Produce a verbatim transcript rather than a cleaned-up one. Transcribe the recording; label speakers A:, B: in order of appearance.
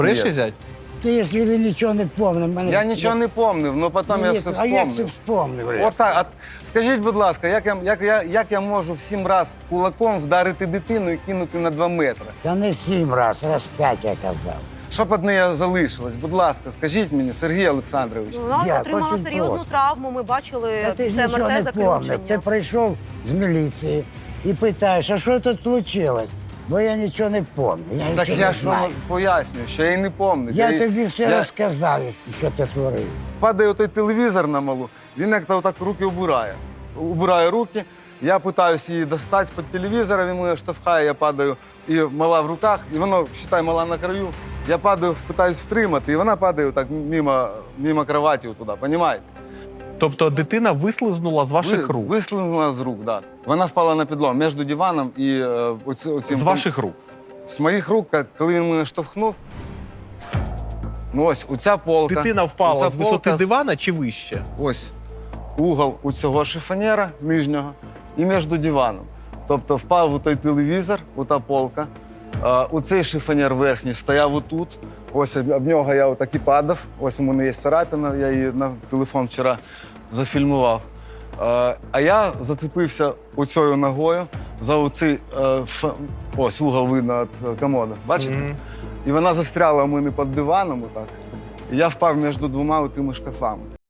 A: Бреши, зять?
B: Ти, якщо ви нічого не помнив, мене...
A: Я нічого не помнив, але потім
B: Ні,
A: я
B: ні,
A: все
B: а як ти
A: вспомнив.
B: вспомнив? блядь?
A: Отак, от скажіть, будь ласка, як я, як, я, як я можу в сім раз кулаком вдарити дитину і кинути на два метри?
B: Та не сім раз, раз п'ять я казав.
A: Щоб одне залишилось, будь ласка, скажіть мені, Сергій Олександрович.
C: Вона
B: Я
C: отримала
B: очень
C: серйозну
B: просто.
C: травму. Ми бачили
B: Та ти ж
C: після
B: нічого
C: ем ер
B: не
C: те
B: помнив.
C: заключення.
B: Ти прийшов з міліції і питаєш, а що тут случилось? Бо я нічого не пам'ятаю, я
A: Так
B: нічого
A: я
B: не
A: ж вам
B: знаю.
A: пояснюю, що я і не пам'ятаю.
B: Я тобі все
A: я...
B: розказав, що ти творив.
A: Падає той телевізор на малу, він як-то отак руки убирає. Убирає руки, я питаюся її достати з-під телевізора, він мене штовхає, я падаю, і мала в руках, і воно, вважай, мала на краю. Я падаю, питаюсь втримати, і вона падає так мимо, мимо кроваті туди, розумієте?
D: Тобто дитина вислизнула з ваших
A: Ви-
D: рук?
A: Вислизнула з рук, так. Да. Вона впала на підлогу між диваном і е, оці, оцим...
D: З ваших рук?
A: З моїх рук, коли він мене штовхнув, ну ось, оця полка.
D: Дитина впала
A: оця
D: з висоти
A: полка,
D: дивана чи вище?
A: Ось угол у цього шифонера нижнього і між диваном. Тобто впав у той телевізор, у та полка. А, у цей шифонер верхній стояв отут. Ось об об нього я отак і падав. Ось у мене є царапина, я її на телефон вчора зафільмував. А, а я зацепився оцею ногою за оцей е, ф... ось угол видно від комода. Бачите?
D: Мгм.
A: І вона застряла у мене під диваном отак. І я впав між двома тими шкафами.